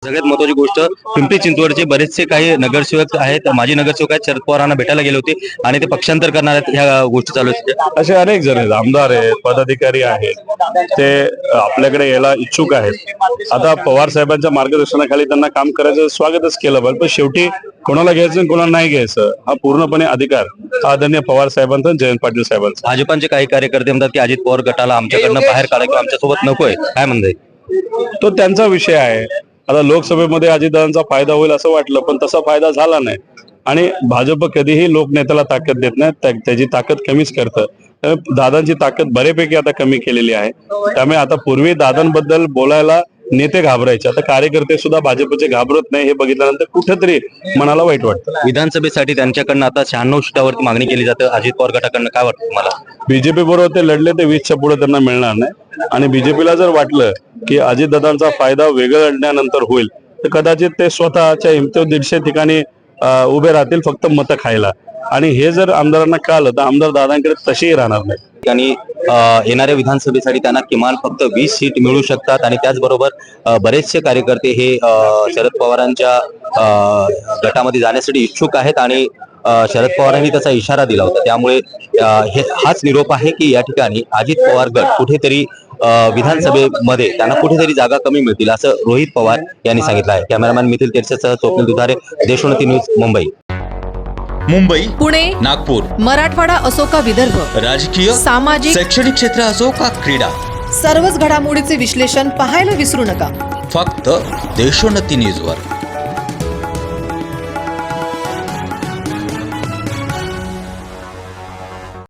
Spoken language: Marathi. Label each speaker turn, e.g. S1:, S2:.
S1: सगळ्यात महत्वाची गोष्ट पिंपरी चिंचवडचे बरेचसे काही नगरसेवक आहेत, माजी नगरसेवक आहेत, शरद पवारांना भेटायला गेले होते आणि ते पक्षांतर करणार आहेत, ह्या गोष्टी चालू आहेत.
S2: असे अनेक जण आहेत, आमदार आहेत, पदाधिकारी आहेत, ते आपल्याकडे यायला इच्छुक आहेत. आता पवार साहेबांच्या मार्गदर्शनाखाली त्यांना काम करायचं स्वागतच केलं पाहिजे, पण शेवटी कोणाला घ्यायचं आणि कोणाला नाही घ्यायचं हा पूर्णपणे अधिकार आदरणीय पवार साहेबांचा आणि जयंत पाटील साहेबांचा.
S1: भाजपाचे काही कार्यकर्ते म्हणतात की अजित पवार गटाला आमच्याकडनं बाहेर काढा किंवा आमच्यासोबत नकोय, काय म्हणताय?
S2: तो त्यांचा विषय आहे. आता लोकसभेमध्ये अजितदादांचा फायदा होईल असं वाटलं, पण तसा फायदा झाला नाही. आणि भाजप कधीही लोकनेत्याला ताकद देत नाही, त्याची ताकद कमीच करतं. दादांची ताकद बऱ्यापैकी आता कमी केलेली आहे. त्यामुळे आता पूर्वी दादांबद्दल बोलायला नेते घाबरायचे, आता कार्यकर्ते सुद्धा भाजपचे घाबरत नाही. हे बघितल्यानंतर कुठेतरी मनाला वाईट वाटतं.
S1: विधानसभेसाठी त्यांच्याकडनं आता 96 सीटावरती मागणी केली जाते अजित पवार गटाकडनं, काय वाटतं तुम्हाला?
S2: बीजेपी बरोबर ते लढले ते 20च्या पुढे त्यांना मिळणार नाही. आणि बीजेपीला जर वाटलं की अजितदादांचा फायदा वेगळं लढण्यानंतर होईल, तर कदाचित ते स्वतःच्या हिमतीवर 150 ठिकाणी उभे राहतील फक्त मतं खायला. आणि हे जर आमदारांना कळलं तर आमदार दादांकडे तसेही राहणार नाही.
S1: आणि येणाऱ्या विधानसभेसाठी त्यांना किमान फक्त 20 सीट मिळू शकतात. आणि त्याचबरोबर बरेचसे कार्यकर्ते हे शरद पवारांच्या गटामध्ये जाण्यासाठी इच्छुक आहेत आणि शरद पवारांनी त्याचा इशारा दिला होता. त्यामुळे हाच निरोप आहे की या ठिकाणी अजित पवार गट कुठेतरी विधानसभेमध्ये त्यांना कुठेतरी जागा कमी मिळतील असं रोहित पवार यांनी सांगितलं आहे. कॅमेरामॅन मिथिल तेरसेसह स्वप्नील दुधारे, देशोन्नती न्यूज, मुंबई.
S3: मुंबई,
S4: पुणे,
S3: नागपूर,
S4: मराठवाडा असो का विदर्भ,
S3: राजकीय,
S4: सामाजिक,
S3: शैक्षणिक क्षेत्र असो का क्रीडा,
S4: सर्वच घडामोडीचे विश्लेषण पाहायला विसरू नका.
S3: फक्त देशोन्नती न्यूजवर.